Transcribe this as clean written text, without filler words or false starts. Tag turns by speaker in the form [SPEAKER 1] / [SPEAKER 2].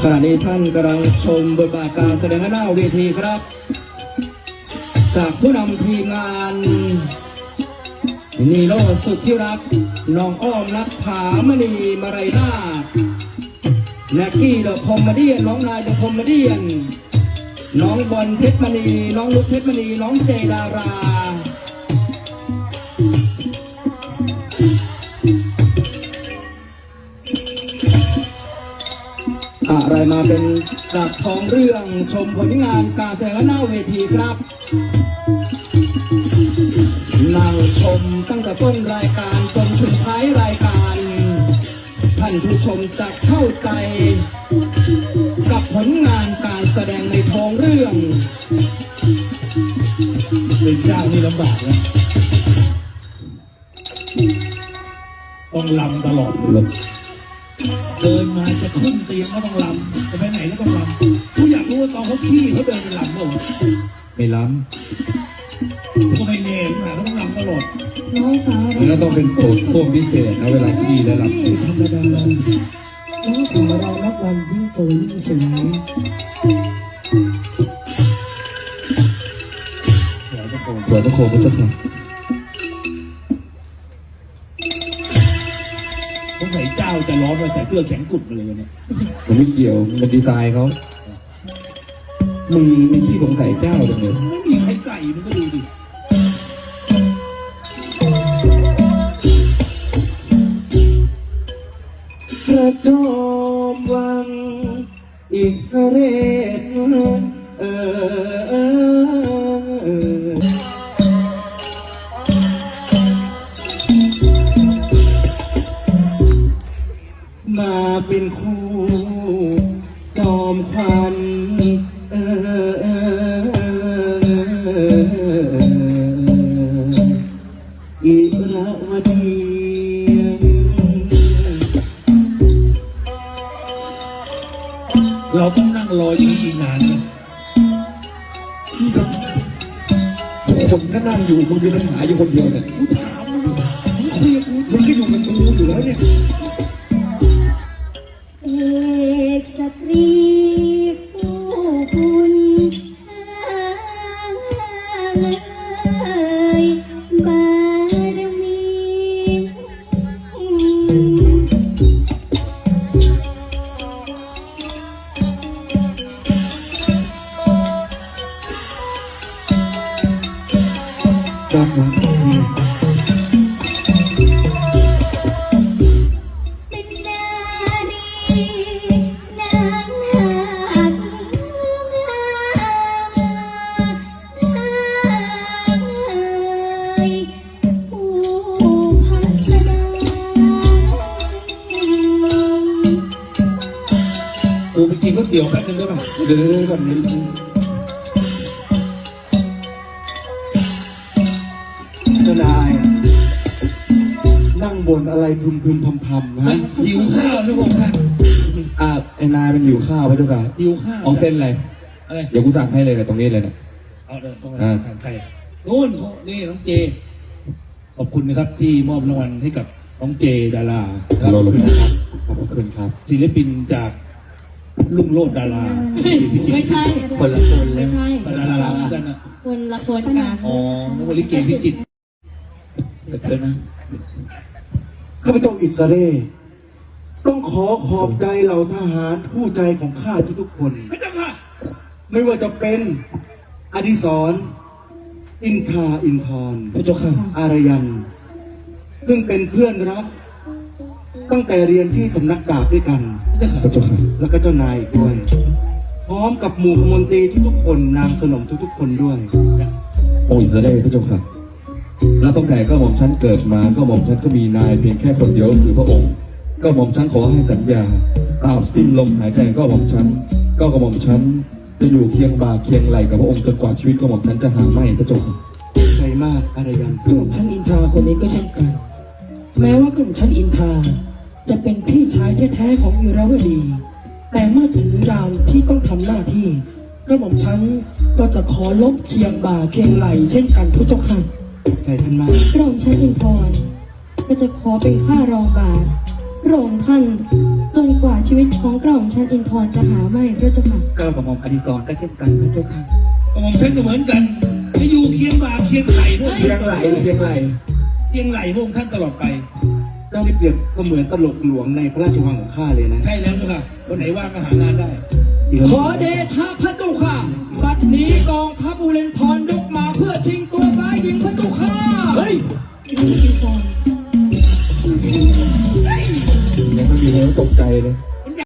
[SPEAKER 1] ขณะนี้ท่านกำลังชมบทบาทการแสดงหน้าเวทีครับจากผู้นำทีมงานนีโน่สุดที่รักน้องอ้อมนักผามณีมาไรนาแน็กกี้เดอะคอมเมดี้น้องนายเดอะคอมเมดี้น้องบอลเพชรมณีน้องลุกเพชรมณีน้องเจดาราอะไรมาเป็นจากทองเรื่องชมผลงานการแสดงหน้าเวทีครับนั่งชมตั้งแต่ต้นรายการจนถึงท้ายรายการท่านผู้ชมจะเข้าใจกับผลงานการแสดงในทองเรื่อง
[SPEAKER 2] เป็นเจ้านี่ลำบากนะต้องลำตลอดเลยเดินมาจะขึ้นเตียงก็ต้องลำจะไปไหนก็ต้องลำกูอยากรู้ว่าตอนเขาขี้เขาเดินเป็นลำหรอ
[SPEAKER 1] ไม่ล้
[SPEAKER 2] ำก็ไม่เน่นนะเขาต้องลำตลอด
[SPEAKER 3] น้องสาว
[SPEAKER 1] เราต้องเป็นโสดพวกพิเศษนะเวลาขี้แล้วล้
[SPEAKER 3] ำธรรมดาน้องสาวเรานับวันยิ่งโตยิ่งสวย
[SPEAKER 1] สวยพระโคพระเจ้าค่ะ
[SPEAKER 2] ผมใส่เจ้าจะร้อนเลยใส่เสื้อแขนกุดมาเลยเนี่ย
[SPEAKER 1] มันไม่เกี่ยวมันดีไซน์เขามึงมีที่สงสัยเจ้าตรงนี้
[SPEAKER 2] ไม่มีใครใส่มันก็ดูดิ
[SPEAKER 1] พระจอมวังอิสเรมาเป็นคู่จอมควันอิระวดี
[SPEAKER 2] เราต้องนั่งรออย่างนี้อีกนานนะ
[SPEAKER 1] ทุกคนก็นั่งอยู่มึงมีปัญหาอยู่คนเดียวเนี่ย
[SPEAKER 2] กูถามมึงคุยกับกูมึงก็อยู่กับกูอยู่แล้วเนี่ย
[SPEAKER 3] เอกสตรีผู้คุณบารมี
[SPEAKER 1] รักนะ
[SPEAKER 2] กูไปกินก๋วยเตี๋ยวแป๊บนึงได้ป่ะ
[SPEAKER 1] เดี๋ยวก่อนนี้เจ้านายนั่งบนอะไรพึมพำนะ
[SPEAKER 2] หิวข้าวใช่ไหมครับ
[SPEAKER 1] ไอ้นายมันหิวข้าวไปด้วยกัน
[SPEAKER 2] หิวข้าว
[SPEAKER 1] เอาเส้นอะไรเดี๋ยวกูสั่งให้เลยตรงนี้เลยนะ
[SPEAKER 2] เอาเดินตรงนี้สั่งใครนู่นนี่น้องเจขอบคุณนะครับที่มอบรางวัลให้กับน้องเจดารา
[SPEAKER 1] ขอบคุณครับขอบคุณครับ
[SPEAKER 2] ศิลปินจากลุงโลดดารา
[SPEAKER 3] ไม่ใช่
[SPEAKER 1] คนละคน
[SPEAKER 3] ไม่ใช่
[SPEAKER 2] ดารากันนะ
[SPEAKER 3] คนละคนกัน
[SPEAKER 2] อ๋อนักลิเกพิจิตร
[SPEAKER 1] เกิดนะข้าพเจ้าอิสราเอลต้องขอบใจเหล่าทหารผู้ใจของข้าทุกคนไม่ว่าจะเป็นอดิศรอินทราอินทรพระเจ้าค่ะอารยันซึ่งเป็นเพื่อนรักตั้งแต่เรียนที่สำนักดาบด้วยกันพระเจ้าค่ะแล้วก็เจ้านายด้วยพร้อมกับหมู่ขมนตรีทุกคนนางสนมทุกคนด้วยองค์อิสราเอลพระเจ้าค่ะและตั้งแต่ก็หม่อมฉันเกิดมาก็หม่อมฉันก็มีนายเพียงแค่คนเดียวคือพระองค์ก็หม่อมฉันขอให้สัญญาตราบสิ้นลมหายใจก็หม่อมฉันก็กระหม่อมฉันจะอยู่เคียงบ่าเคียงไหลกับพระองค์จนกว่าชีวิตก็หม่อมฉันจะหาไม่พระเจ้าค่ะใจมากอะไรกัน
[SPEAKER 4] กลุ่มชั้นอินทราคนนี้ก็เช่นกันแม้ว่ากลุ่มชั้นอินทราจะเป็นพี่ชายแท้ๆของอิราวดีแต่เมื่อถึงยามที่ต้องทำหน้าที่กระหม่อมชั้นก็จะขอลบเคียงบ่าเคียงไหลเช่นกันผู้เจ้าค่ะ
[SPEAKER 1] ใจท่านมาก
[SPEAKER 4] กระหม่อมชั้นอินทรก็จะขอเป็นข้ารองบาท
[SPEAKER 3] พระองค์ท่านจนกว่าชีวิตของกระหม่อมชั้นอินทร์จะหาไม่พระเจ้าค่ะ
[SPEAKER 5] ก้าวกระหม่อมอดิศรก็เช่นกันพระเจ้าค่ะ
[SPEAKER 2] กระหม่อมฉันก็เหมือนกันจะอยู่เคียงบ่าเคียงไหลพวก
[SPEAKER 1] เพียงไหลเพียงไหล
[SPEAKER 2] เคียงไหลพวกท่านตลอดไป
[SPEAKER 1] เจ้าได้เปรียบก็เหมือนตลกหลวงในพระราชวังของข้าเลยนะ
[SPEAKER 2] ใช่แล้วเจ้าค่ะคนไหนว่างก็หางานได้
[SPEAKER 4] ขอเดชะพระเจ้าค่ะบัดนี้กองทัพอุเรนทรยกมาเพื่อชิงตัวซ้ายหญิงพระเจ้าค่ะ
[SPEAKER 1] เฮ้ย